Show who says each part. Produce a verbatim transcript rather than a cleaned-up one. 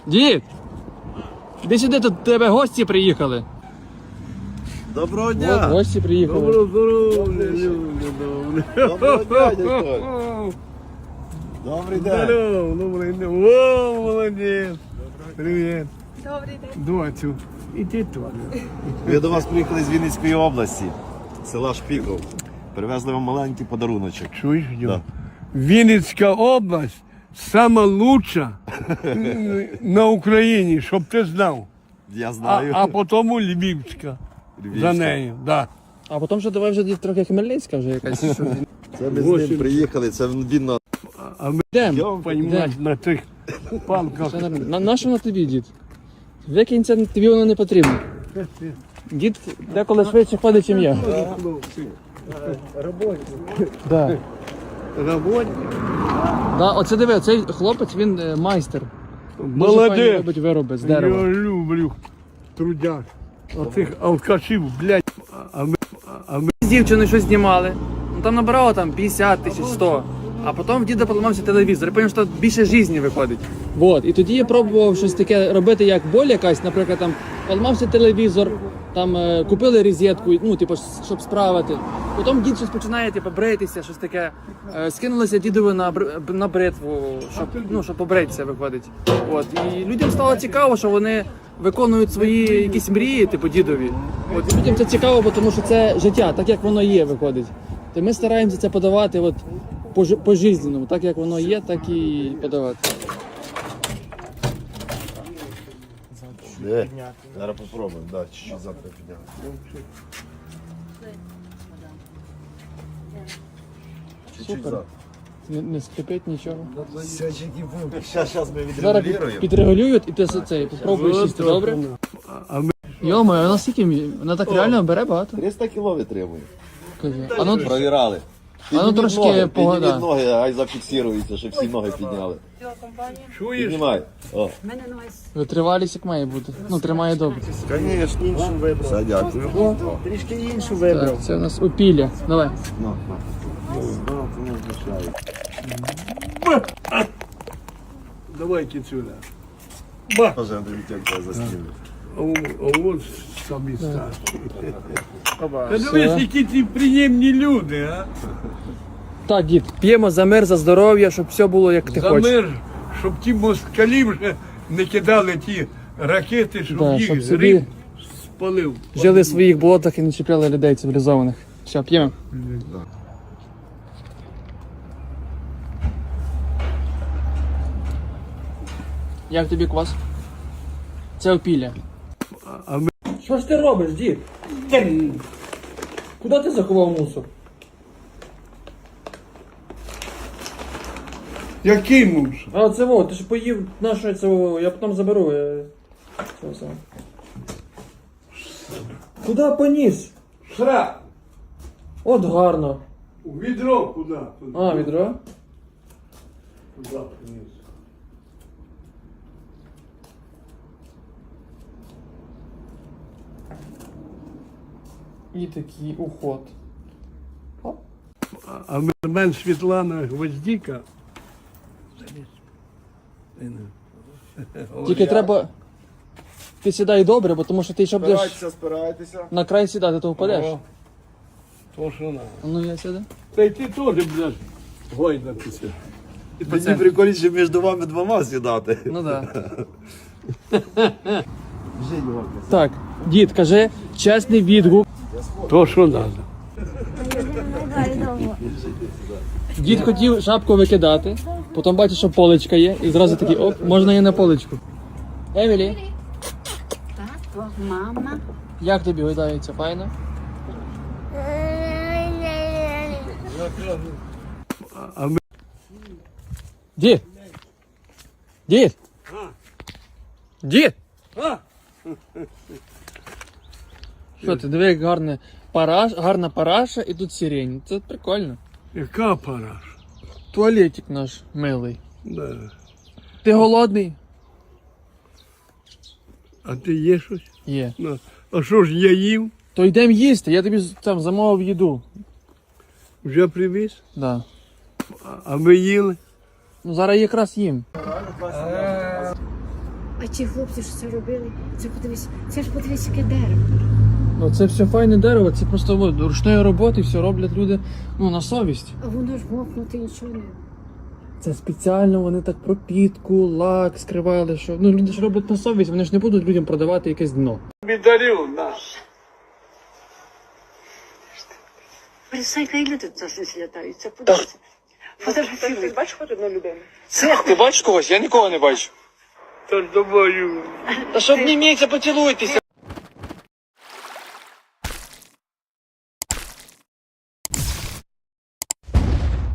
Speaker 1: Дід! Іди сюди, тут до тебе гості приїхали.
Speaker 2: Доброго
Speaker 1: От,
Speaker 2: дня!
Speaker 1: гості приїхали.
Speaker 3: Доброго здоров'я, люди, добре.
Speaker 2: Доброго дня, дядько! Добрий день!
Speaker 3: Здорово, добрий день. О, молодець. Привіт.
Speaker 4: Добрий день.
Speaker 3: Доцю, іди туди.
Speaker 2: Ми до вас приїхали з Вінницької області, села Шпіков. Привезли вам маленький подаруночок.
Speaker 3: Чуєш, Дьо?
Speaker 2: Да.
Speaker 3: Вінницька область сама лучша на Україні, щоб ти знав.
Speaker 2: Я
Speaker 3: А,
Speaker 2: знаю.
Speaker 3: а потім Львівська.
Speaker 2: Львівська.
Speaker 3: За нею, да.
Speaker 1: А потім вже давай вже трохи Хмельницька вже якась.
Speaker 2: Це ми з ним приїхали, це він на...
Speaker 3: А ми,
Speaker 1: Йдемо.
Speaker 3: понімаєш, на тих палках.
Speaker 1: Все нормально. На, на що на тобі, дід? Викинь це, тобі воно не потрібно. Дід деколи швидше ходить, ніж я. Да.
Speaker 3: Роботи.
Speaker 1: Да, оце диви, цей хлопець, він е, майстер. Дуже файно
Speaker 3: Молодець.
Speaker 1: робить вироби з
Speaker 3: Я
Speaker 1: дерева.
Speaker 3: люблю трудяг. Оцих алкашів, блядь. А ми, а ми
Speaker 1: З дівчиною щось знімали. Ну там набирало там п'ятдесят тисяч, сто. А потім в діда поламався телевізор. Я пам'ятаю, що тут більше житті виходить. Вот. І тоді я пробував щось таке робити, як боль якась, наприклад, там поламався телевізор, там е, купили розетку, ну, типу, щоб справити. Потім дід щось починає, типу, бритися, щось таке. Е, скинулися дідові на, бр- на бритву, щоб, ну, щоб побритися, виходить. От. І людям стало цікаво, що вони виконують свої якісь мрії, типу, дідові. От. І людям це цікаво, бо тому що це життя, так як воно є, виходить. То ми стараємося це подавати от, по, жи- по жизненному, так як воно є, так і подавати.
Speaker 2: Де? Зараз попробуємо, да, чуть-чуть завтра підняти. Чуть-чуть
Speaker 1: Супер.
Speaker 2: завтра.
Speaker 1: Не, не скрипить нічого.
Speaker 2: Зараз, зараз ми
Speaker 1: Зараз
Speaker 2: відрегулюємо.
Speaker 1: підрегулюють і ти цей попробуєш сісти, добре?
Speaker 3: А ми
Speaker 1: Йомо, вона скільки? мі- Вона так реально бере багато.
Speaker 2: триста кіло витримує.
Speaker 1: Кажи. А ну,
Speaker 2: Провірали.
Speaker 1: А ну,
Speaker 2: Підніміть
Speaker 1: трошки
Speaker 2: ноги,
Speaker 1: погода.
Speaker 2: підніміть ноги, ай зафіксирується, щоб всі ноги підняли.
Speaker 3: чуєш?
Speaker 2: Піднімай. О.
Speaker 4: Мене ноги
Speaker 1: витривалість як має бути. Ну, тримає добре.
Speaker 2: Звісно, іншу вибрав. Все, дякую.
Speaker 3: Трішки іншу
Speaker 1: Так, це у нас опілля. Давай.
Speaker 2: На, на.
Speaker 3: Давайте сюди.
Speaker 2: Тоже Андрій тебе застілив.
Speaker 3: А, о- а от самі старші. Та
Speaker 1: Все.
Speaker 3: дивись, які ці приємні люди, а?
Speaker 1: Так, дід, п'ємо за мир, за здоров'я, щоб все було як ти
Speaker 3: За
Speaker 1: хочеш.
Speaker 3: мир, щоб ті москалі вже не кидали ті ракети, щоб
Speaker 1: Да,
Speaker 3: їх
Speaker 1: щоб собі
Speaker 3: Рим спалив.
Speaker 1: жили в своїх болотах і не чіпляли людей цивілізованих. Все, п'ємо. Як тобі квас? Це опілля.
Speaker 3: А ми
Speaker 1: Що ж ти робиш, дід? Куди ти заховав мусор?
Speaker 3: який муж?
Speaker 1: А це во, ти ж поїв наше це во, я потім заберу. Я... Це все. Куди поніс?
Speaker 3: Сра!
Speaker 1: От гарно.
Speaker 3: У відро куди?
Speaker 1: А, відро?
Speaker 3: Куди приніс?
Speaker 1: І такий уход. Оп.
Speaker 3: А- А ми- мен Світлана Гвоздіка.
Speaker 1: Тільки треба. Ти сідай добре, бо тому що ти ще будеш
Speaker 2: Спирайтеся, спирайтеся.
Speaker 1: на край сідати, то впадеш.
Speaker 3: О, то що надо.
Speaker 1: А ну я сяду.
Speaker 3: Та й ти теж будеш гойдатися.
Speaker 2: Мені прикольніше між вами двома сідати.
Speaker 1: Ну да. Так, дід, кажи чесний відгук.
Speaker 3: То що треба.
Speaker 1: Дід хотів шапку викидати, потім бачить, що поличка є, і зразу такий, оп, можна і на поличку. Емілі,
Speaker 4: Тато, мама.
Speaker 1: як тобі гойдається? Файно?
Speaker 3: А ми
Speaker 1: Дід! Дід! Дід!
Speaker 3: А!
Speaker 1: Що ти, диви, як гарне параш, гарна параша і тут сирень. Це прикольно.
Speaker 3: Яка параш?
Speaker 1: Туалетик наш милий.
Speaker 3: Да.
Speaker 1: Ти голодний?
Speaker 3: А ти є щось?
Speaker 1: Є.
Speaker 3: Ну, а що ж я їв?
Speaker 1: То йдемо їсти, я тобі там замовив їду.
Speaker 3: Вже привіз?
Speaker 1: Да.
Speaker 3: А- А ми їли?
Speaker 1: Ну зараз якраз їм.
Speaker 4: А ті хлопці, що це робили, це подивись, це ж подивись, яке дерево.
Speaker 1: Ну це все файне дерево, це просто от, ручної роботи, все роблять люди ну, на совість.
Speaker 4: А воно ж мокнути нічого не.
Speaker 1: Це спеціально вони так пропітку, лак скривали, що ну люди ж роблять на совість, вони ж не будуть людям продавати якесь дно.
Speaker 3: Бідарів наш.
Speaker 4: Присайка, і люди тут завжди літаються. Подивися. Фотографіруй.
Speaker 5: Бачиш хоч одну людину?
Speaker 1: Ти бачиш когось? Я нікого не бачу.
Speaker 3: Та ж думаю.
Speaker 1: Та що обніміться, поцілуйтеся.